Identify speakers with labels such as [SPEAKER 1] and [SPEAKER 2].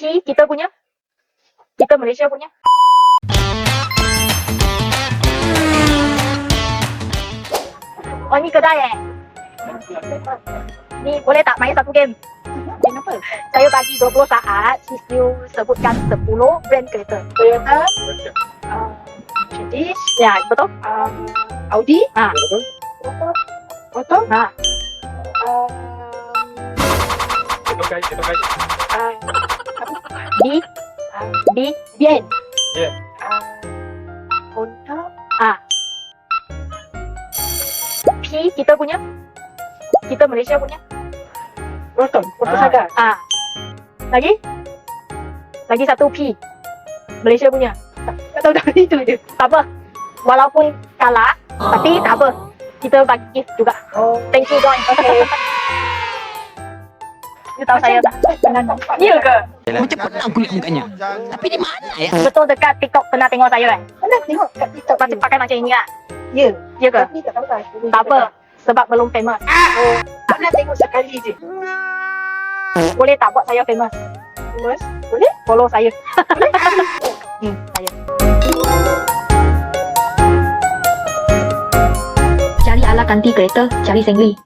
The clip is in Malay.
[SPEAKER 1] P kita punya. Kita Malaysia punya. Oh, ni kedai eh. Ni boleh tak main satu game?
[SPEAKER 2] Kenapa?
[SPEAKER 1] Saya bagi 20 saat, you sebutkan 10 brand kereta.
[SPEAKER 2] Toyota, British,
[SPEAKER 1] Ya, betul?
[SPEAKER 2] Audi,
[SPEAKER 1] Ha.
[SPEAKER 2] Auto,
[SPEAKER 1] Ha. B. B.
[SPEAKER 2] Bien,
[SPEAKER 3] Ya.
[SPEAKER 2] Honda,
[SPEAKER 1] Ha. P kita punya. Kita Malaysia punya.
[SPEAKER 2] Proton, Saga,
[SPEAKER 1] Ha. Lagi? Lagi satu P. Malaysia punya.
[SPEAKER 2] tak tahu dah itu je.
[SPEAKER 1] Tak apa. Walaupun kalah, tapi tak apa. Kita bagi gift juga.
[SPEAKER 2] Oh,
[SPEAKER 1] Thank you, Don.
[SPEAKER 2] okay.
[SPEAKER 1] You tahu saya tak?
[SPEAKER 2] Jangan nampak.
[SPEAKER 1] Ya ke?
[SPEAKER 4] Macam pernah kulit mukanya. Tapi di mana ya?
[SPEAKER 1] Betul dekat TikTok pernah tengok saya kan?
[SPEAKER 2] Pernah tengok kat TikTok
[SPEAKER 1] Macam pakai macam ini lah.
[SPEAKER 2] Ya,
[SPEAKER 1] Ya ke?
[SPEAKER 2] tapi tak tahu lah.
[SPEAKER 1] Tak apa. Sebab belum famous.
[SPEAKER 2] Oh, pernah tengok sekali je.
[SPEAKER 1] Boleh tak buat saya famous?
[SPEAKER 2] Mas, boleh?
[SPEAKER 1] Follow saya. Saya.
[SPEAKER 5] Cari ala ganti kereta, cari Sengli.